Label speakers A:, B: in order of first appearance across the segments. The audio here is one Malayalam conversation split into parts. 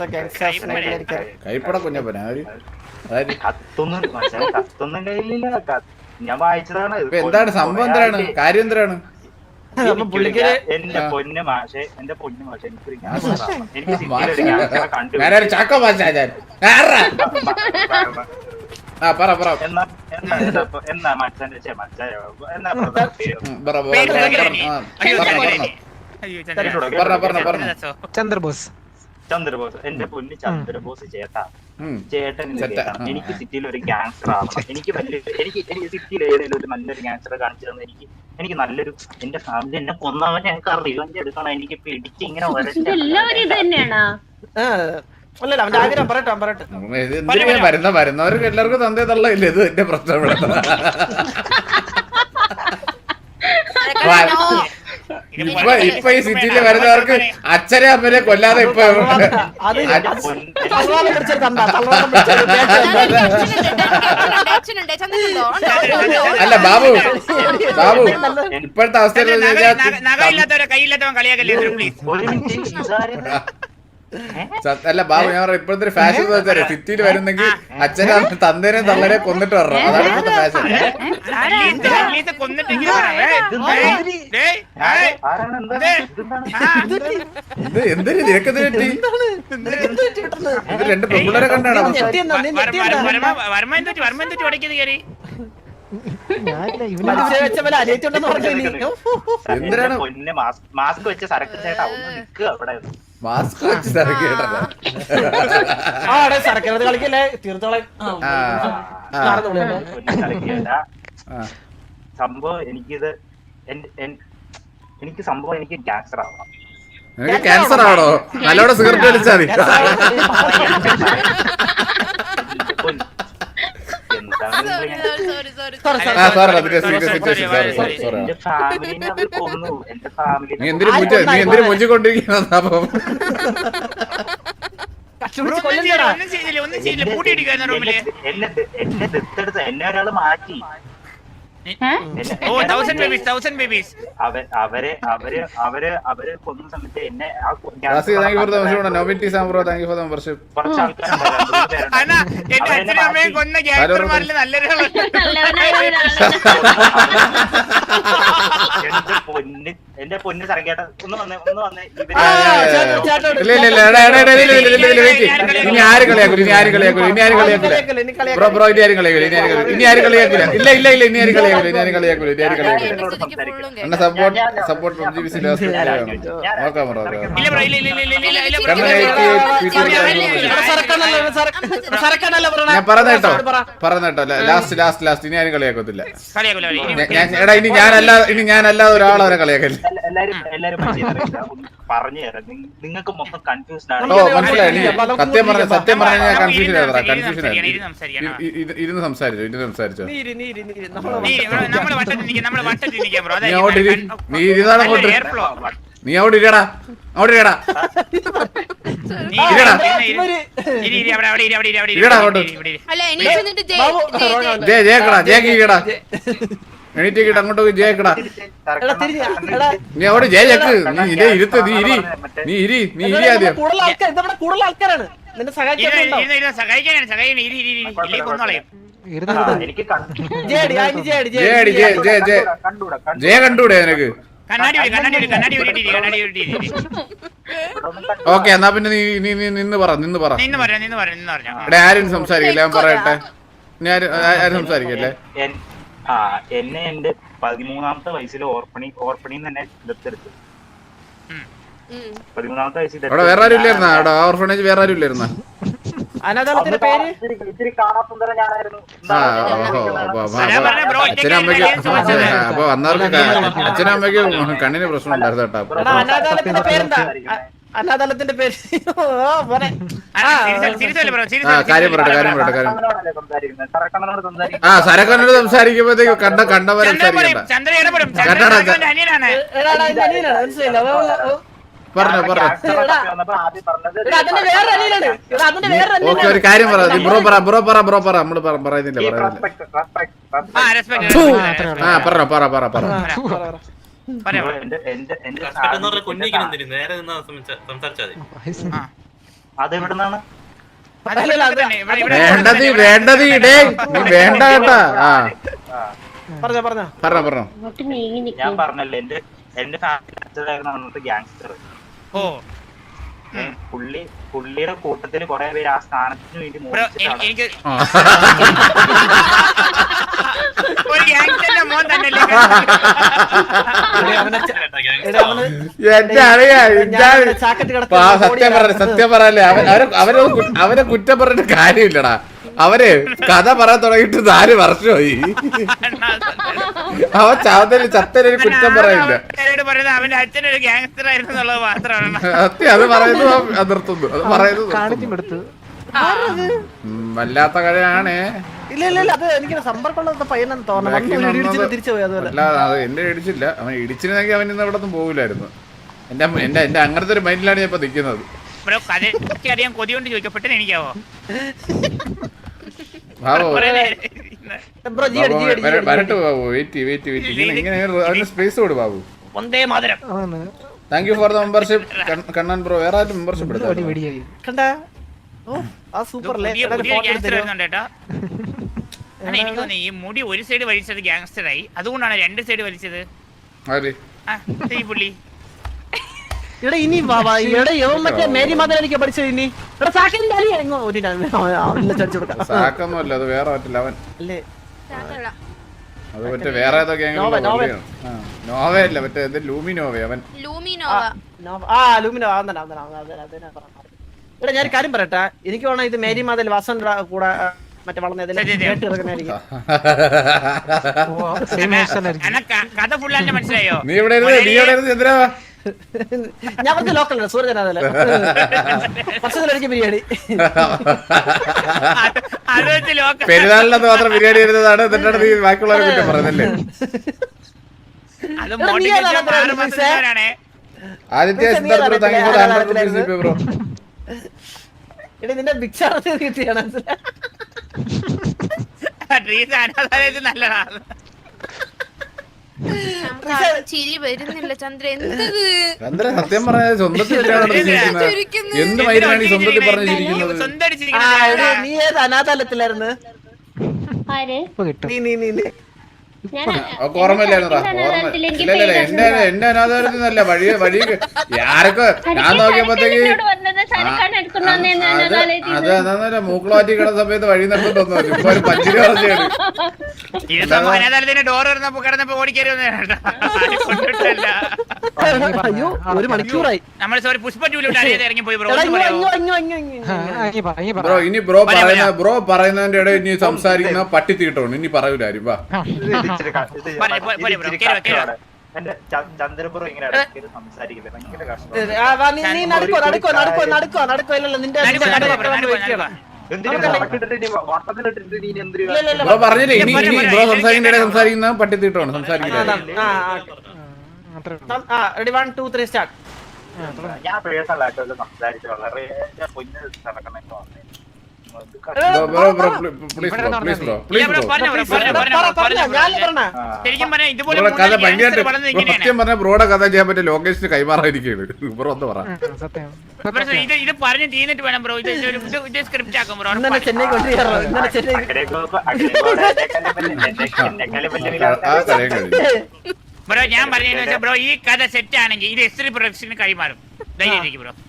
A: കൈപ്പട കുഞ്ഞപ്പന
B: കത്തൊന്നും കയ്യിലില്ല. ഞാൻ വായിച്ചതാണ്.
A: എന്താണ് സംഭവം? എന്താണ് കാര്യം? എന്താണ്
B: എന്റെ പൊന്നു മാഷെ എനിക്കൊരു
A: ഞാനൊരു ചാക്കോ മാഷ
B: എന്നാ മച്ചാന്റെ
C: ചന്ദ്രബോസ്
B: എന്റെ പൊന്ന് ചന്ദ്രബോസ് ചേട്ടൻ എനിക്ക് സിറ്റിയിൽ ഒരു ഗാങ്സ്റ്റർ ആവണം. എനിക്ക് സിറ്റിയിൽ ഏതെങ്കിലും ഒരു നല്ലൊരു ഗാങ്സ്റ്റർ കാണിച്ചു തന്നെ എനിക്ക് നല്ലൊരു എന്റെ ഫാമിലി എന്നെ കൊന്നവൻ ഞങ്ങൾക്ക് റിവഞ്ച് എടുക്കണം. എനിക്ക് പിടിച്ച് ഇങ്ങനെ
A: വരുന്നവർക്ക് എല്ലാവർക്കും തന്തേ തള്ളയില്ല. ഇത് എന്റെ പ്രശ്നം. ഇപ്പൊ ഈ സിറ്റിയിൽ വരുന്നവർക്ക് അച്ഛനെ അമ്മനെ കൊല്ലാതെ ഇപ്പൊ അല്ല ബാബു ഇപ്പോഴത്തെ അവസ്ഥയിൽ അല്ല ബാബു ഞാൻ പറയാം ഇപ്പോഴത്തെ ഒരു ഫാഷൻ എന്ന് വെച്ചാൽ സിറ്റിയിൽ വരുന്നെങ്കിൽ അച്ഛനെ തന്തേനെ തള്ളനെ കൊന്നിട്ട് വരണം. അതാണ് ഇപ്പോഴത്തെ ഫാഷൻ. ഇത് എന്തൊരു നിരക്കത് പറ്റി? ഇത് രണ്ട് പെൺപിള്ളേരെ കണ്ടാണ് എന്തിനാണ്
B: മാസ്ക് വെച്ച സരക്ക് ചേട്ടാ ഒന്ന് നിൽക്കുക അവിടെ.
A: മാസ്ക് വെച്ച് സരക്കേട്ടത്
D: കളിക്കല്ലേ തീർത്തോളെ
B: സംഭവം എനിക്ക് സംഭവം എനിക്ക് ക്യാൻസർ ആവണം.
A: നിനക്ക് ക്യാൻസർ ആണോ? നല്ലോണം സിഗരറ്റ് വലിച്ചാൽ മതി. നീ എന്തിനു മുഞ്ചിക്കൊണ്ടിരിക്കുന്ന
B: എന്നെ ഒരാള് മാറ്റി. അവരെ കൊന്ന സമയത്ത് എന്നെ എന്റെ പൊന്ന് സരക്കേട്ട ഒന്ന് വന്നേ
A: ഇനി ആര് കളിയാക്കൂല? ഇനി ആര് കളിയാക്കൂല? ഇനി ആര് കളിയാക്കൂല? ബ്രോ ഇനി ആരും കളിയാക്കൂല? ഇനി ആര് കളിയാക്കൂല? ഇല്ല ഇനി ആര് കളിയാക്കൂല? ഇനി ആര് കളിയാക്കൂല? ഇനി ആര് കളിയാക്കൂല? എന്നെ സപ്പോർട്ട് ഞാൻ പറഞ്ഞേട്ടോ ലാസ്റ്റ് ഇനി ആരും കളിയാക്കത്തില്ല. എടാ ഇനി ഞാനല്ലാതെ ഒരാളവരെ കളിയാക്കല്ലേ.
B: പറഞ്ഞു തരാം. നിങ്ങൾക്ക് മൊത്തം കൺഫ്യൂസ്ഡ് ആണ്.
A: മനസ്സിലായി. സത്യം പറഞ്ഞ ഞാൻ കൺഫ്യൂഷൻ ഇരുന്ന് സംസാരിച്ചോ നീ അവിടെ ഇരിക്കടാ. എണീറ്റ് അങ്ങോട്ട് പോയി ജയക്കടാ. നീ അവിടെ ജയക്ക്. നീ ഇരുത്ത്. നീ ഇരി ആദ്യം. ജയ കണ്ടൂടെ നിനക്ക്? ഓക്കെ എന്നാ പിന്നെ നീ നിന്ന് പറ. ഇവിടെ ആരും സംസാരിക്കില്ല. ഞാൻ പറയട്ടെ. ആരും സംസാരിക്കല്ലേ.
B: എന്നെ എന്റെ 13ാമത്തെ വയസ്സിൽ ഓർപ്പണിന്ന് തന്നെ ദത്തെടുത്തു. 13ാമത്തെ വയസ്സിൽ
A: അവിടെ വേറെ ആരും ഇല്ലായിരുന്ന? അവിടെ ഓർഫണേജ് വേറെ ആരും ഇല്ലായിരുന്ന?
B: ഇത്തിരി കാണാസുന്ദരം ഞാനായിരുന്നു.
A: അച്ഛനും അമ്മയ്ക്കും അപ്പൊ വന്നവർക്ക് അച്ഛനും അമ്മയ്ക്കും കണ്ണിന് പ്രശ്നം ഉണ്ടായിരുന്നു കേട്ടോ.
D: അനാഥാലയത്തിന്റെ പേര്
A: കാര്യം പറയട്ടെ. സരക്കനോട് സംസാരിക്കുമ്പോഴത്തേക്ക് കണ്ടവരെ ഓക്കെ ഒരു കാര്യം പറ. ബ്രോ പറ. നമ്മള് പറയുന്നില്ല.
B: അതെവിടുന്നാണ്?
A: വേണ്ടത് ഇടേ നീ വേണ്ട കേട്ടാ. പറഞ്ഞോ
B: ഞാൻ പറഞ്ഞല്ലോ എന്റെ ഫാമിലി അച്ഛനായിരുന്നു അന്നത്തെ ഗ്യാങ്സ്റ്റർ. പുള്ളിയുടെ കൂട്ടത്തിൽ കുറെ പേര് ആ സ്ഥാനത്തിന് വേണ്ടി
A: സത്യം പറയല്ലേ അവരെ കുറ്റം പറഞ്ഞിട്ട് കാര്യമില്ലടാ. അവര് കഥ പറയാൻ തുടങ്ങിയിട്ട് 4 വർഷമായി. അവൻ ചത്തനൊരു കുറ്റം പറയില്ല.
C: അവന്റെ അച്ഛനൊരു ഗ്യാങ്സ്റ്റർ ആയിരുന്നു എന്നുള്ളത് മാത്രമാണ്
A: സത്യം. അത് പറയുന്നത് നിർത്തുന്നു. അത് പറയുന്നത് വല്ലാത്ത കഥയാണ്. എന്നെ ഇടിച്ചില്ല. അവൻ ഇടിച്ചിരുന്നെങ്കിൽ അവൻ ഇന്ന് ഇവിടെ ഒന്നും പോകില്ലായിരുന്നു. എന്റെ അങ്ങനത്തെ ഒരു മൈൻഡിലാണ് ഞാൻ ഇപ്പൊ നിൽക്കുന്നത്.
C: അറിയാൻ കൊതി കൊണ്ട് ചോദിക്കപ്പെട്ടെ എനിക്കാവോ?
A: വരട്ടെ ബാബു. വെയിറ്റ് ഇങ്ങനെ അതിന് സ്പേസ് കൊടു Babu. Thank you for the membership Kannan bro. വേറെ ആരും മെമ്പർഷിപ്പ് എടുത്താ
C: എനിക്ക് തോന്നി ഈ മുടി ഒരു സൈഡ് വലിച്ചത് ഗ്യാങ്സ്റ്ററായി. അതുകൊണ്ടാണ് 2 സൈഡ് വലിച്ചത് ഈ പുള്ളി.
D: ഇനി മറ്റേ മേരി മാതാ എനിക്ക് പഠിച്ചത്. ഇനി
A: സാക്കൊന്നുമല്ല, അത് വേറെ പറ്റില്ല. അവൻ അത് മറ്റേ വേറെ ഏതോ നോവയല്ല, മറ്റേ ലൂമിനോവ. അവൻ
D: ഇവിടെ ഞാൻ കാര്യം പറയട്ടെ. എനിക്ക് വേണം ഇത് മേരി മാതൽ വാസന്റെ കൂടെ മറ്റേ വളർന്നതിൽ
C: കഥ ഫുള്ളായിട്ട് മനസ്സിലായോ?
A: നീ ഇവിടെ ചന്ദ്ര?
D: ഞാൻ പറഞ്ഞ ലോക്കൽ സൂര്യജനാഥല്ലേ വർഷത്തിലൊരിക്കൽ ബിരിയാണി.
A: പെരുന്നാളിനകത്ത് മാത്രം ബിരിയാണി വരുന്നതാണ്. എന്നിട്ടാണ് നീ ബാക്കിയുള്ളവരെ കുറ്റം പറയുന്നല്ലേ? ആദിത്യ ബ്രോ
D: നിന്റെ ഭിക്ഷാടത്തിൽ കിട്ടിയാണ്
C: നല്ലതാണ്.
E: ചിരി വരുന്നില്ല ചന്ദ്ര.
A: ചന്ദ്ര സത്യം പറഞ്ഞ സ്വന്തത്തിൽ എന്ത് മൈനാണ് ഈ സ്വന്തത്തിൽ പറഞ്ഞിരിക്കുന്നത്?
D: നീ ഏത് അനാഥാലയത്തിലായിരുന്നു?
A: ഓർമ്മയില്ലായിരുന്നോ? എന്റെ അനാഥാലയത്തിനല്ല വഴി ആരൊക്കെ ഞാൻ നോക്കിയപ്പോഴത്തേക്ക് അത് അതാ മൂക്കളാറ്റി കിടന്ന സമയത്ത് വഴി നിർത്തുന്നു. ഇപ്പൊ ഒരു പഞ്ചിരി പറഞ്ഞാണ്.
C: ഡോർ കിടന്നപ്പോ
D: അയ്യോ ഒരു മണിക്കൂറായി.
C: നമ്മൾ സോറി പുഷ്പ ഇറങ്ങി പോയി
A: ബ്രോ. ഇനി ബ്രോ പറയുന്നതിന്റെ ഇടയിൽ ഇനി സംസാരിക്കുന്ന പട്ടി തീട്ടോണ്ട് ഇനി പറയൂല ആരും. വാ
B: ചന്ദ്രപുരം ഇങ്ങനെ സംസാരിക്കുന്നത് ഭയങ്കര കഷ്ടം.
A: ബ്രോ പറഞ്ഞില്ലേ ഇനി ബ്രോ സംസാരിക്കുന്ന ഇടയിൽ സംസാരിക്കുന്ന പട്ടി തീട്ടോണ്ട് സംസാരിക്കുന്നത്.
B: ഞാൻ പേഴ്സണലായിട്ട് സംസാരിച്ചു വളരെ നടക്കണോ.
A: സത്യം പറഞ്ഞ ബ്രോയുടെ കഥ ചെയ്യാൻ പറ്റിയ ലൊക്കേഷന് കൈമാറാതിരിക്കുകയാണ്. ബ്രോ ഒന്ന് പറ.
C: ഇത് പറഞ്ഞു തീർന്നിട്ട് വേണം ബ്രോ. ഇത് സ്ക്രിപ്റ്റ് ആക്കും ബ്രോ. ബ്രോ ഞാൻ പറഞ്ഞതെന്ന് വെച്ചാൽ ബ്രോ ഈ കഥ സെറ്റ് ആണെങ്കിൽ ഇത് എസ്ത്രി പ്രൊഡക്ഷന് കൈമാറും. ധൈര്യം ബ്രോ.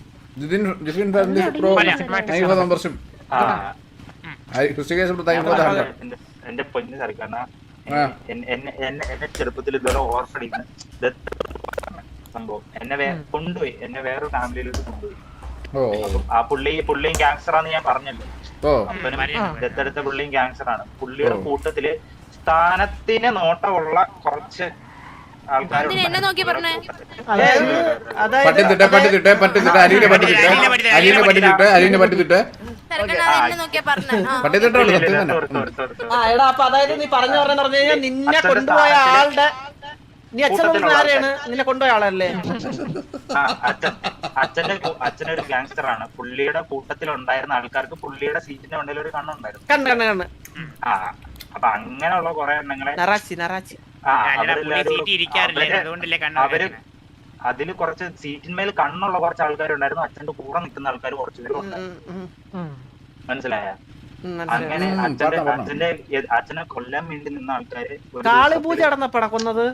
B: എന്റെ പൊന്നു സർക്കാർ എന്നെ ചെറുപ്പത്തിൽ ഇതുവരെ ഓർഫണിന്ന് സംഭവം എന്നെ കൊണ്ടുപോയി. എന്നെ വേറൊരു ഫാമിലിയിലോട്ട് കൊണ്ടുപോയി. ആ പുള്ളിയും ക്യാൻസറാന്ന് ഞാൻ പറഞ്ഞല്ലോ. ദത്തെടുത്ത പുള്ളിയും ക്യാൻസറാണ്. പുള്ളിയുടെ കൂട്ടത്തില് സ്ഥാനത്തിന് നോട്ടമുള്ള കുറച്ച് ആൾക്കാരുണ്ട്.
D: അതായത് നീ പറഞ്ഞു പറഞ്ഞു കഴിഞ്ഞാൽ നിന്നെ കൊണ്ടുപോയ ആളുടെ നീ ആരെയാണ് നിന്നെ കൊണ്ടുപോയ ആളല്ലേ?
B: അച്ഛനൊരു ഗ്യാങ്സ്റ്ററാണ്. പുള്ളിയുടെ കൂട്ടത്തിലുണ്ടായിരുന്ന ആൾക്കാർക്ക് പുള്ളിയുടെ സീറ്റിന്റെ ഉണ്ടെങ്കിൽ ഒരു കണ്ണുണ്ടായിരുന്നു.
D: കണ്ണ്
B: അപ്പൊ അങ്ങനെയുള്ള കുറെ എണ്ണങ്ങളെ അതില് കുറച്ച് സീറ്റിന്മേൽ കണ്ണുള്ള കുറച്ച് ആൾക്കാരുണ്ടായിരുന്നു, അച്ഛന്റെ കൂടെ നിൽക്കുന്ന ആൾക്കാർ കുറച്ചുപേരും ഉണ്ടായിരുന്നു. മനസ്സിലായ? അങ്ങനെ അച്ഛനെ കൊല്ലാൻ വേണ്ടി നിന്ന ആൾക്കാര്
D: കാളിപൂജ നടന്നപ്പോഴാ കൊന്നത്.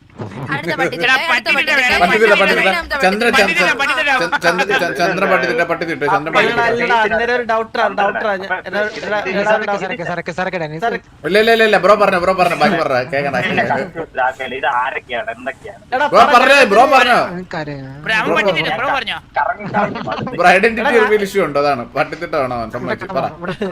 A: ബ്രോ പറഞ്ഞു ബാക്കി പറഞ്ഞ കേക്കണ
B: ഇത് ആരൊക്കെയാണ് എന്തൊക്കെയാണ്
A: bro bro identity reveal issue ഉണ്ടോ? അതാണ് പട്ടിത്തിട്ടാണോ സമ്മതിച്ചു പറ.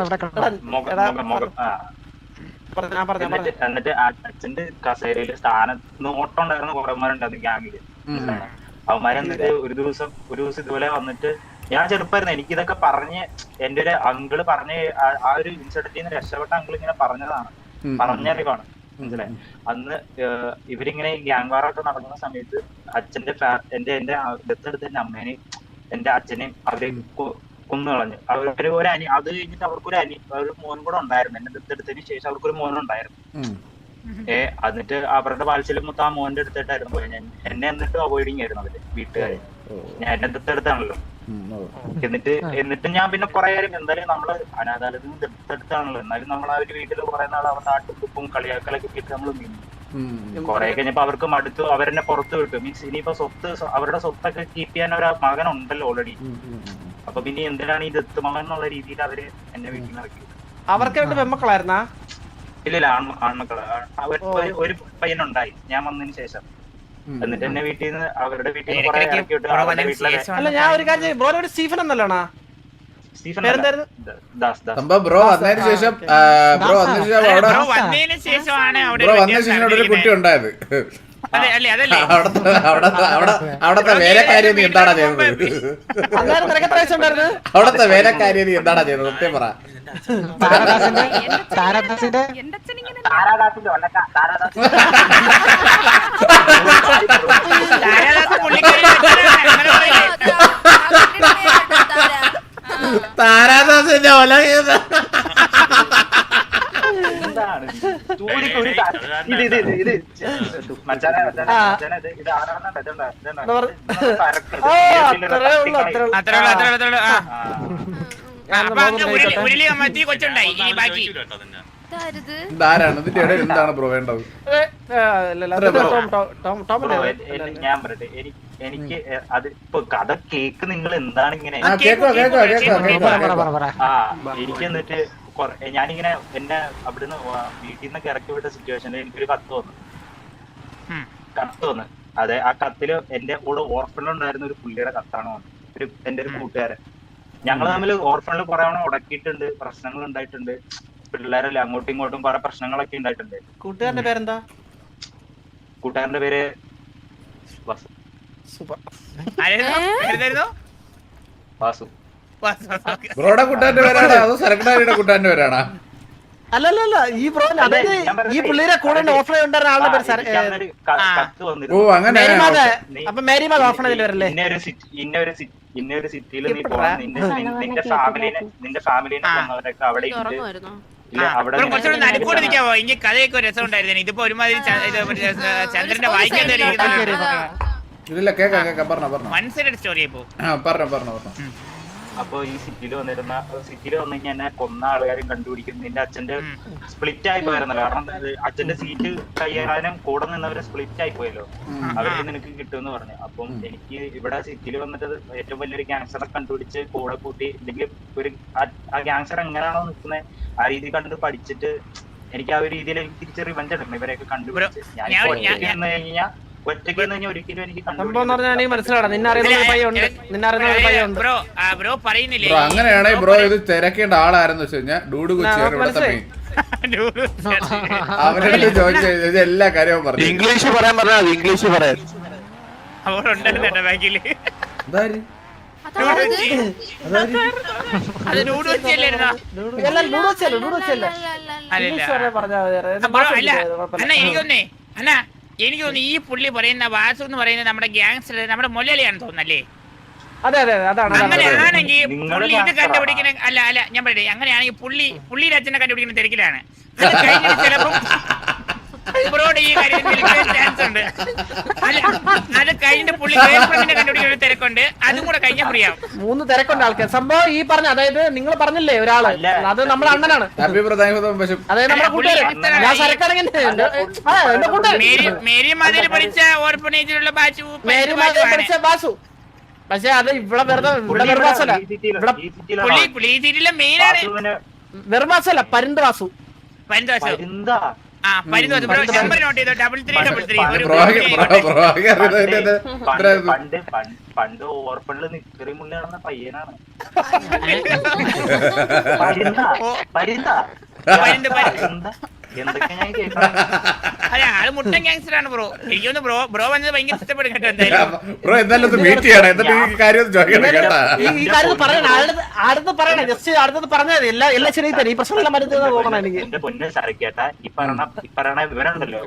B: എന്നിട്ട് അച്ഛന്റെ കസേരയില് നോട്ടം ഉണ്ടായിരുന്ന കുറേമാരുണ്ടായിരുന്നു ഗ്യാങ്ങില്. അവന്മാരെ എന്നിട്ട് ഒരു ദിവസം ഇതുപോലെ വന്നിട്ട്, ഞാൻ ചെറുപ്പമായിരുന്നു, എനിക്കിതൊക്കെ പറഞ്ഞ് എന്റെ ഒരു അങ്കിള് പറഞ്ഞ് ആ ഒരു ഇൻസിഡന്റിൽ നിന്ന് രക്ഷപ്പെട്ട അങ്കിൾ ഇങ്ങനെ പറഞ്ഞതാണ്, പറഞ്ഞറിവാണ്. മനസ്സിലായി? അന്ന് ഇവരിങ്ങനെ ഗ്യാങ് വാറൊക്കെ നടക്കുന്ന സമയത്ത് അച്ഛന്റെ എന്റെ ദത്തെടുത്ത എന്റെ അമ്മേനെയും എന്റെ അച്ഛനെയും അവരെ കൊന്നു കളഞ്ഞു. അവര് ഒരു അനി, അത് കഴിഞ്ഞിട്ട് ഒരു മോൻ കൂടെ ഉണ്ടായിരുന്നു. എന്നെ ദത്തെടുത്തതിന് ശേഷം അവർക്കൊരു മോനുണ്ടായിരുന്നു. എന്നിട്ട് അവരുടെ വാത്സല്യം മൊത്തം ആ മോന്റെ അടുത്തിട്ടായിരുന്നു പോയി. എന്നെ എന്നിട്ട് അവോയ്ഡിങ് ആയിരുന്നു അവര് വീട്ടുകാരെ. ഞാൻ എന്നെ ദത്തെടുത്താണല്ലോ. എന്നിട്ട് ഞാൻ പിന്നെ കുറെ കാര്യം എന്തായാലും നമ്മള് അനാഥാലയത്തിൽ നിന്ന് ദത്തെടുത്താണല്ലോ, എന്നാലും നമ്മൾ ആ ഒരു വീട്ടിൽ കുറെ നാൾ അവരുടെ ആട്ടുപ്പും കളിയാക്കലൊക്കെ ഇട്ട് നമ്മൾ നിന്നു. കുറെ കഴിഞ്ഞപ്പോ അവർക്ക് മടുത്തു, അവരെന്നെ പുറത്ത് വിട്ടു. മീൻസ് ഇനിയിപ്പോ അവരുടെ സ്വത്തൊക്കെ കീപ്പ് ചെയ്യാൻ ഒരു മകനുണ്ടല്ലോ ഓൾറെഡി. അപ്പൊ പിന്നെ എന്തിനാണ് ഈ ദത്തുമകൻ എന്നുള്ള രീതിയിൽ അവര് എന്നെ വീട്ടിൽ നിന്ന് ഇറക്കി.
D: അവർക്ക് രണ്ട് പെൺമക്കളായിരുന്നാ?
B: ഇല്ല, ആൺമക്കള്. ഒരു പയ്യനുണ്ടായി ഞാൻ വന്നതിന് ശേഷം. എന്നിട്ട് എന്നെ വീട്ടിൽ നിന്ന് അവരുടെ വീട്ടിൽ നിന്ന് കുറെ ഇറക്കി വിട്ടു.
D: അല്ല, ഞാൻ ഒരു കാര്യം, ബ്രോയുടെ സ്റ്റീഫൻ എന്നല്ലോണാ?
A: ബ്രോ വന്നതിന് ശേഷം ഒരു കുട്ടി ഉണ്ടായത്. അവിടത്തെ വേലക്കാരി നീ എന്താടാ ചെയ്യുന്നത്? അവിടത്തെ വേലക്കാരി നീ എന്താടാ ചെയ്യുന്നത്? സത്യം പറ. താരാദാസിന്റെ ഒല ധാരാണ്. ഇതിന്റെ ഇടയിൽ എന്താണ് ബ്രോ വേണ്ടത്?
B: ഞാൻ പറയട്ടെ, എനിക്ക് അത് ഇപ്പൊ കഥ കേക്ക് നിങ്ങൾ എന്താണ് ഇങ്ങനെ എനിക്ക് എന്നിട്ട് ഞാനിങ്ങനെ എന്നെ അവിടുന്ന് വീട്ടിൽ നിന്നൊക്കെ ഇറക്കി വിട്ട സിറ്റുവേഷനിൽ എനിക്കൊരു കത്ത് വന്നു. അതെ, ആ കത്തില് എന്റെ കൂടെ ഓർഫണിലുണ്ടായിരുന്ന ഒരു പുള്ളിയുടെ കത്താണ് വന്നത്. എന്റെ ഒരു കൂട്ടുകാരൻ. ഞങ്ങൾ തമ്മിൽ ഓർഫണിൽ കുറെ തവണ ഉടക്കിയിട്ടുണ്ട്, പ്രശ്നങ്ങൾ ഉണ്ടായിട്ടുണ്ട്, പിള്ളേരല്ലേ അങ്ങോട്ടും ഇങ്ങോട്ടും കുറെ പ്രശ്നങ്ങളൊക്കെ ഉണ്ടായിട്ടുണ്ട്.
D: കൂട്ടുകാരന്റെ പേരെന്താ?
B: കൂട്ടുകാരന്റെ പേര് വാസു. വാസു.
A: ബ്രോയുടെ കൂട്ടുകാരന്റെ പേരാണോ അതോ സെക്രട്ടറിയുടെ കൂട്ടുകാരന്റെ പേരാണോ?
D: അല്ലല്ല, ഈ ബ്രോ ഈ പുള്ളിയുടെ കൂടെ ഓഫർ ഉണ്ടായിരുന്ന ആളുടെ പേര്.
A: ഓ, അങ്ങനെ.
D: അപ്പൊ മേരിമാത ഓഫറിൽ വരല്ലേ?
B: ഇന്നൊരു സിറ്റിയിൽ നീ പോകണം, നിന്റെ ഫാമിലിനെ കൊന്നവരൊക്കെ അവിടെ
C: നടുക്കൂടെ നിൽക്കാവോ? എനിക്ക് കഥയൊക്കെ രസം ഉണ്ടായിരുന്നു. ഇതിപ്പോ ഒരുമാതിരി ചന്ദ്രന്റെ വായിക്കാൻ
A: ഇതില്ല, കേക്കാം, പറഞ്ഞോ.
C: മനസ്സിലൊരു സ്റ്റോറി ആയിപ്പോ.
A: പറഞ്ഞോ.
B: അപ്പൊ ഈ സിറ്റിയിൽ വന്നു കഴിഞ്ഞാൽ എന്നെ കൊന്ന ആൾക്കാരും കണ്ടുപിടിക്കും. നിന്റെ അച്ഛന്റെ സ്പ്ലിറ്റ് ആയി പോയിരുന്നല്ലോ, കാരണം അച്ഛന്റെ സീറ്റ് കയ്യേറാനും കൂടെ നിന്നവരെ സ്പ്ലിറ്റ് ആയി പോയല്ലോ, അവർക്ക് നിനക്ക് കിട്ടുമെന്ന് പറഞ്ഞു. അപ്പം എനിക്ക് ഇവിടെ സിറ്റിയിൽ വന്നിട്ട് ഏറ്റവും വലിയൊരു ക്യാൻസറെ കണ്ടുപിടിച്ച് കൂടെ കൂട്ടി, അല്ലെങ്കിൽ ഒരു ആ ക്യാൻസർ എങ്ങനെയാണോ നിൽക്കുന്നത് ആ രീതി കണ്ടിട്ട് പഠിച്ചിട്ട് എനിക്ക് ആ ഒരു രീതിയിൽ എനിക്ക് തിരിച്ച് റിവെഞ്ച് എടുക്കണം ഇവരെയൊക്കെ കണ്ടുപിടിച്ച്. ഞാൻ കഴിഞ്ഞാൽ ഒറ്റയ്ക്ക് ഒരിക്കലും എനിക്ക്
A: അങ്ങനെയാണെങ്കിൽ ബ്രോ ഇത് തിരക്കേണ്ട ആളാരെന്ന് വെച്ച് കഴിഞ്ഞാൽ ഡൂഡ് കൊച്ചിയാണ് ഇവിടുത്തെ മെയിൻ. അവരുടെ ചോദിച്ചു ഇത് എല്ലാ കാര്യവും പറഞ്ഞു.
F: ഇംഗ്ലീഷ് പറയാൻ പറഞ്ഞാൽ ഇംഗ്ലീഷ് പറയാൻ
C: എനിക്ക് തോന്നുന്നു ഈ പുള്ളി പറയുന്ന വാസു എന്ന് പറയുന്നത് നമ്മുടെ ഗ്യാങ്സ്റ്റർ, നമ്മുടെ മൊലയാളിയാണെന്ന് തോന്നുന്നല്ലേ? അങ്ങനെയാണെങ്കിൽ പുള്ളി ഇത് കണ്ടുപിടിക്കുന്ന അല്ല ഞാൻ പറയട്ടെ, അങ്ങനെയാണെങ്കിൽ പുള്ളിയുടെ അച്ഛനെ കണ്ടുപിടിക്കുന്ന തിരക്കിലാണ്. ചിലപ്പം ബ്രോയുടെ ഈ കാര്യത്തിൽ ചാൻസ് ഉണ്ട്. അല്ല അത് കഴിഞ്ഞ പുള്ളി ഗേൾഫ്രണ്ടിനെ കണ്ടുപിടിക്കുന്ന തിരക്കുണ്ട്, അതും കൂടെ കഴിഞ്ഞാൽ ഫ്രീ ആവും.
D: 3 തിരക്കുണ്ട് ആൾക്കാർ. സംഭവം ഈ പറഞ്ഞ, അതായത് നിങ്ങൾ പറഞ്ഞില്ലേ ഒരാള്, അത് നമ്മുടെ അണ്ണനാണ്, അതായത് നമ്മുടെ കൂട്ടുകാരൻ. ഞാൻ സരക്കാണെങ്കിൽ എന്റെ കൂട്ടുകാരൻ
C: മേരി മതിൽ പഠിച്ച ഓർഫനേജിലുള്ള ബാച്ചു
D: പഠിച്ച ബാസു. പക്ഷെ അത് ഇവിടെ വെറുവാസല്ല,
C: പുള്ളി ഈ സീറ്റിലെ മെയിൻ ആണ്.
D: വെറുവാസല്ല, പരുന്ത് വാസു.
C: ബ്രോ നമ്പർ നോട്ട് ചെയ്തോ, 3333.
B: പണ്ട് ഓർപ്പണില് നിക്കറി മുള്ളാണെന്ന പയ്യനാണ്. എന്തൊക്കെ ഞാൻ കേൾക്കണം.
C: അല്ല ആള് മുട്ടൻ ഗാങ്സ്റ്റർ ആണ് ബ്രോ. എനിക്കൊന്ന് ബ്രോ വന്നത് ഭയങ്കര ഇഷ്ടപ്പെടും കേട്ടോ.
A: ബ്രോ എന്തായാലും മീറ്റ് ചെയ്യണം, എന്നിട്ട് ഈ കാര്യം ചോദിക്കണം കേട്ടാ.
D: ഈ കാര്യം പറയണ അടുത്ത് പറയണേ, ജസ്റ്റ് അടുത്തത് പറഞ്ഞാൽ മതി. എല്ലാം ശരി തന്നെ, ഈ പ്രശ്നം എല്ലാം മരുന്ന് പോകണം എനിക്ക്.
B: എന്റെ പൊന്നെ സരക്കേട്ടാ, ഈ പറയണ വിവരമുണ്ടല്ലോ,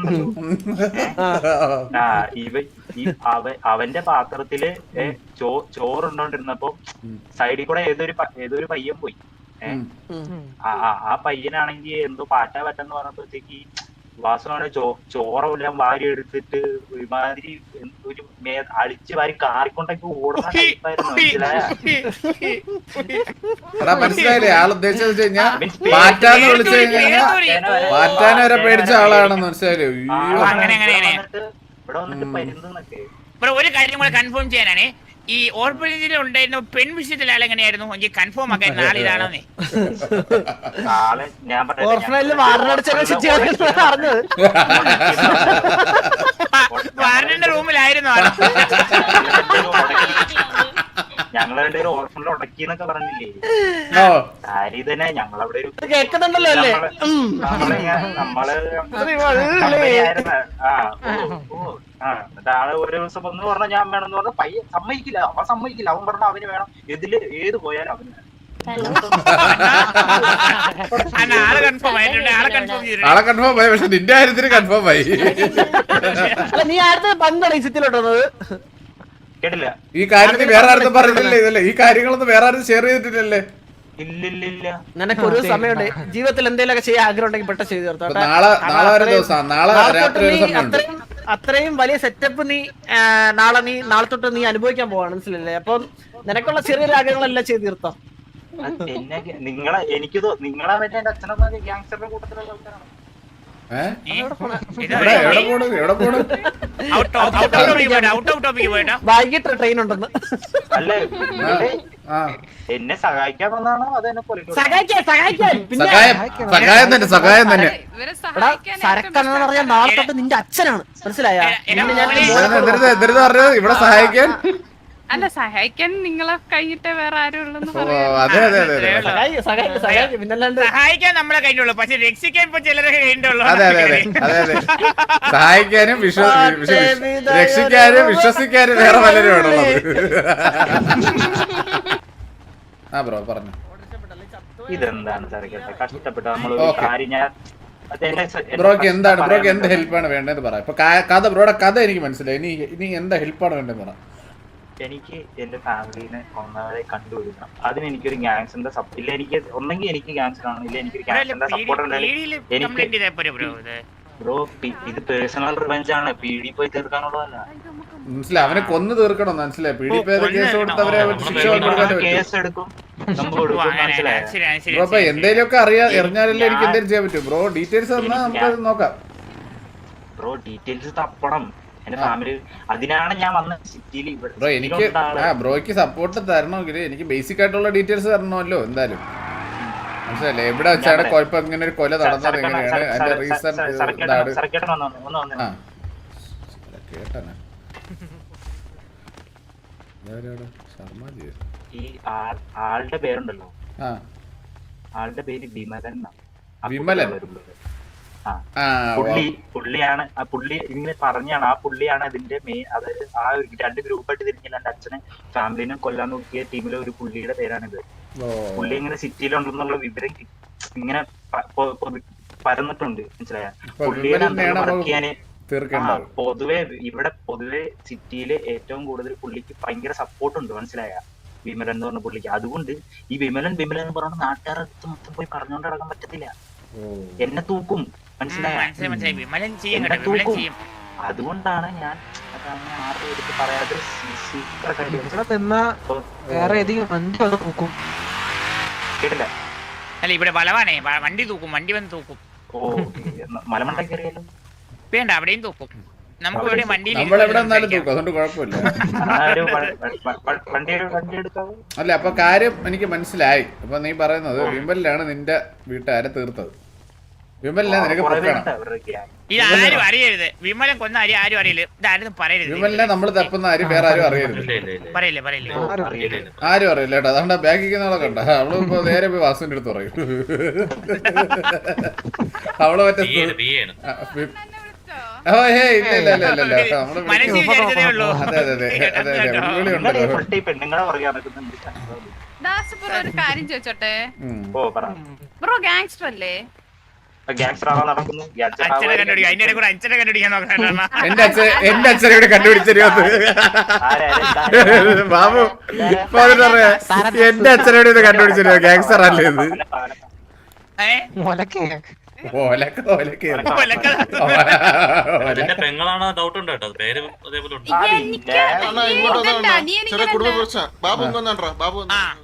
B: അവന്റെ പാത്രത്തില് ചോറുണ്ടോണ്ടിരുന്നപ്പോ സൈഡിൽ കൂടെ ഏതൊരു പയ്യൻ പോയി. ആ പയ്യനാണെങ്കിൽ എന്തോ പാറ്റാ പറ്റെന്ന് പറഞ്ഞപ്പോഴത്തേക്ക് വാസുവാണ് ചോറെല്ലാം വാരി എടുത്തിട്ട് ഒരുമാതിരി ഒരു അടിച്ച് വാരി കാറിക്കൊണ്ടൊക്കെ ഓടുന്ന ടൈപ്പായിരുന്നു.
A: മനസ്സിലായില്ലേ ആൾ ഉദ്ദേശിച്ചത് കഴിഞ്ഞാൽ പാറ്റാന്ന് വിളിച്ചു കഴിഞ്ഞാൽ പാറ്റാനെ വരെ പേടിച്ച ആളാണെന്ന് മനസ്സിലായില്ലേ.
B: ഇവിടെ വന്നിട്ട് പരുന്നൊക്കെ.
C: ഒരു കാര്യം കൂടെ കൺഫേം ചെയ്യാനാണ്, ഈ ഓർഫനേജിൽ ഉണ്ടായിരുന്ന പെൺ വിഷയത്തിൽ ആളെങ്ങനെയായിരുന്നു എനിക്ക് കൺഫേം ആക്കാൻ നാളിലാണെന്നേ. വാർഡന്റെ റൂമിലായിരുന്നു ആള്.
B: ഞങ്ങളുടെ ഒരു ഓർഫണിൽ ഉടക്കിന്നൊക്കെ പറഞ്ഞില്ലേ, സാരി തന്നെ ഞങ്ങളവിടെ ഒരു ആള് ഒരു ദിവസം വന്ന് പറഞ്ഞ ഞാൻ വേണമെന്ന് പറഞ്ഞ പയ്യൻ സമ്മതിക്കില്ല, അവൻ സമ്മതിക്കില്ല. അവൻ പറഞ്ഞ അവന് വേണം, ഏത് പോയാലും അവന് വേണം.
A: ആളെ കൺഫേം ആയി, പക്ഷെ നിന്റെ കാര്യത്തിന് കൺഫേം ആയി.
D: നീ ആരുടെ പങ്കാണ് ഈ സിറ്റിയിലോട്ട് വന്നത്?
B: കേട്ടില്ല.
A: ഈ കാര്യത്തിൽ വേറെ ആരും പറഞ്ഞില്ലേ, ഇതല്ലേ ഈ കാര്യങ്ങളൊന്നും വേറെ ആരും ഷെയർ ചെയ്തിട്ടില്ലല്ലേ?
B: ഇല്ലില്ല.
D: നിനക്ക് ഒരു സമയമുണ്ട്, ജീവിതത്തിൽ എന്തെങ്കിലുമൊക്കെ ചെയ്യാൻ ആഗ്രഹം ഉണ്ടെങ്കിൽ പെട്ടെന്ന് ചെയ്തു തീർത്തോ.
A: നാളെ ഒരു ദിവസം, നാളെ രാത്രി ഒരു സമയമുണ്ട്.
D: അത്രയും വലിയ സെറ്റപ്പ് നാളെ തൊട്ട് നീ അനുഭവിക്കാൻ പോവാണ്, മനസ്സിലല്ലേ? അപ്പൊ നിനക്കുള്ള ചെറിയൊരു ആഗ്രഹങ്ങളെല്ലാം ചെയ്ത് തീർത്തോ.
B: നിങ്ങളെ പറ്റി എന്റെ അച്ഛനമ്മ ഗ്യാങ്സ്റ്ററുടെ കൂട്ടത്തിലുള്ള ആൾക്കാരാണ്.
D: വൈകിട്ട് ട്രെയിൻ ഉണ്ടെന്ന്.
B: അല്ലേ എന്നെ സഹായിക്കാൻ വന്നാണോ അത് എന്നെ
A: സഹായം തന്നെ.
D: സരക്കെന്ന് പറഞ്ഞാൽ നാളെ തൊട്ട് നിന്റെ അച്ഛനാണ്, മനസ്സിലായ?
A: ഇവിടെ സഹായിക്കാൻ
E: അല്ല, സഹായിക്കാൻ നിങ്ങളെ കഴിഞ്ഞിട്ട് വേറെ ആരും ഉള്ളെന്ന്
C: സഹായിക്കാൻ നമ്മളെ കഴിഞ്ഞുള്ളൂ, പക്ഷെ രക്ഷിക്കാൻ ഇപ്പൊ ചിലരെ കഴിഞ്ഞുള്ളൂ.
A: അതെ സഹായിക്കാനും രക്ഷിക്കാനും വിശ്വസിക്കാനും വേറെ പലരും ആണുള്ളത്. ആ ബ്രോ പറഞ്ഞു.
B: ഇതെന്താണ് കഷ്ടപ്പെട്ട് നമ്മളൊരു കാര്യം ഞാൻ
A: ബ്രോക്ക് എന്താണ്, ബ്രോക്ക് എന്ത് ഹെൽപ്പാണ് വേണ്ടതെന്ന് പറ. ഇപ്പൊ കഥ ബ്രോയുടെ കഥ എനിക്ക് മനസ്സിലായി. ഇനി എന്താ ഹെൽപ്പാണ് വേണ്ടതെന്ന് പറ.
B: എനിക്ക് എന്റെ ഫാമിലിനെ ഒന്നാമതെ കണ്ടുപിടിക്കണം. അതിന് എനിക്കൊരു ഗ്യാങ്സിന്റെ ഇല്ല, എനിക്ക് ഒന്നെങ്കിൽ എനിക്ക് ഗ്യാങ്സർ ആണ്, ഇല്ല എനിക്കൊരു ഗ്യാങ്സിന്റെ സപ്പോർട്ട് ബ്രോ. ഇത് പേഴ്സണൽ റിവെഞ്ച് ആണ്, പീഡി പോയി തീർക്കാനുള്ളതല്ല.
A: മനസ്സിലായി, അവനെ കൊന്നു തീർക്കണം. മനസ്സിലായി, പീഡിപ്പേരെ കേസ് കൊടുത്തവരെ
B: കേസ് എടുക്കും.
A: ബ്രോ അപ്പൊ എന്തേലും ഒക്കെ അറിഞ്ഞാലല്ലേ എനിക്ക് എന്തേലും ചെയ്യാൻ പറ്റും. ബ്രോ ഡീറ്റെയിൽസ് തന്നാൽ നമുക്ക് നോക്കാം.
B: ബ്രോ ഡീറ്റെയിൽസ് തപ്പണം. എന്റെ ഫാമിലി അതിനാണ് ഞാൻ വന്ന സിറ്റിയിൽ.
A: ബ്രോ എനിക്ക് ബ്രോയ്ക്ക് സപ്പോർട്ട് തരണമെങ്കിൽ എനിക്ക് ബേസിക് ആയിട്ടുള്ള ഡീറ്റെയിൽസ് തരണമല്ലോ എന്തായാലും. മനസ്സിലല്ലേ, എവിടെ വെച്ചാണ് കുഴപ്പം, ഇങ്ങനെ ഒരു കൊല നടന്നത്, എങ്ങനെയാണ് അതിന്റെ റീസൺ.
B: ഈ ആളുടെ പേരുണ്ടല്ലോ, ആളുടെ പേര് വിമലൻ.
A: വിമലൻ
B: പുള്ളിയാണ് ആ പുള്ളി ഇങ്ങനെ പറഞ്ഞാണ്. ആ പുള്ളിയാണ് അതിന്റെ മെയിൻ. അതായത് ആ രണ്ട് ഗ്രൂപ്പായിട്ട് തിരിഞ്ഞില്ല, എന്റെ അച്ഛനെ ഫാമിലിനെ കൊല്ലാൻ നോക്കിയ ടീമിലെ ഒരു പുള്ളിയുടെ പേരാണിത്. പുള്ളി ഇങ്ങനെ സിറ്റിയിലുണ്ടെന്നുള്ള വിവരം ഇങ്ങനെ പരന്നിട്ടുണ്ട്, മനസ്സിലായ? പുള്ളിയെ പൊതുവെ സിറ്റിയില് ഏറ്റവും കൂടുതൽ പുള്ളിക്ക് ഭയങ്കര സപ്പോർട്ട് ഉണ്ട്, മനസ്സിലായ? വിമലൻ എന്ന് പറഞ്ഞ പുള്ളിക്ക്. അതുകൊണ്ട് ഈ വിമലൻ എന്ന് പറഞ്ഞ നാട്ടുകാരുടെ അടുത്ത് മൊത്തം പോയി പറഞ്ഞുകൊണ്ട് നടക്കാൻ പറ്റത്തില്ല. എന്നെ തൂക്കും. മനസ്സിലായി
C: വിമലൻ ചെയ്യും കേട്ടോ, വിമലൻ ചെയ്യും.
B: അതുകൊണ്ടാണ് ഞാൻ ആരുടെ എടുത്ത് പറയാതെ
G: വേറെ ഏതെങ്കിലും വണ്ടി വന്ന് നോക്കും.
B: കേട്ടില്ല.
C: അല്ല ഇവിടെ വളവാണേ, വണ്ടി തൂക്കും, വണ്ടി വന്ന് തൂക്കും.
B: ഓ മലമണ്ട കയറിയാലോ?
C: വേണ്ട, അവിടെയും തൂക്കും. നമുക്ക് ഇവിടെ വണ്ടിയിൽ
A: നമ്മളെവിടെ നിന്നാലും തൂക്കും, അതുകൊണ്ട് കുഴപ്പമില്ല.
B: വണ്ടി എടുക്കാവോ?
A: അല്ല, അപ്പൊ കാര്യം എനിക്ക് മനസ്സിലായി. അപ്പൊ നീ പറയുന്നത് വിമലിലാണ് നിന്റെ വീട്ടുകാരെ തീർത്തത്. വിമലിനെ നിനക്ക് പൊക്കണം.
C: ഇത് ആരും അറിയരുത്. വിമലൻ കൊന്ന ആരും അറിയില്ല. ഇതാരും പറയരുത്.
A: വിമലിനെ നമ്മൾ തപ്പുന്ന ആരും വേറെ ആരും അറിയരുത്.
C: പറയില്ലേ
A: ആരും അറിയില്ല കേട്ടോ. അതുകൊണ്ട് ബാക്കിക്കുന്നവളൊക്കെ ഉണ്ട്. അവള് ഇപ്പൊ നേരെ പോയി വാസുവിന്റെ അടുത്ത് പറയും. അവള് മറ്റേ ഓ ഹേ ഇല്ല നമ്മള്
C: മനസ്സിൽ വിചാരിച്ചതേ ഉള്ളൂ.
A: അതെ വിളി ഉണ്ടല്ലോ.
B: പെണ്ണുങ്ങളെ പറയാൻ പറ്റുന്നുണ്ട്.
E: ദാസ് ബ്രോ ഒരു കാര്യം ചോദിച്ചോട്ടെ?
B: ഓ പറ.
E: ബ്രോ ഗാങ്സ്റ്റർ അല്ലേ?
B: ഗാങ്സ്റ്ററാണോ നടക്കുന്നു?
C: അച്ഛനെ കണ്ടുപിടിക്കാം, അതിന്റെ കൂടെ അച്ഛനെ കണ്ടുപിടിക്കാൻ നോക്കണം.
A: എന്റെ അച്ഛനെ ഇവിടെ കണ്ടുപിടിച്ചത് ബാബു പറയാ. എന്റെ അച്ഛനോട് ഇത് കണ്ടുപിടിച്ചോ ഗാങ്സ്റ്റർ അല്ലേ ഇത്?
H: പെങ്ങളാണോ ഡൗട്ട് ഉണ്ട് കേട്ടോ, പേര് അതേപോലെ ഉണ്ട്.
E: എനിക്ക്
I: ചെറിയ കുടുംബ പ്രശ്നം. ബാബു ബാബു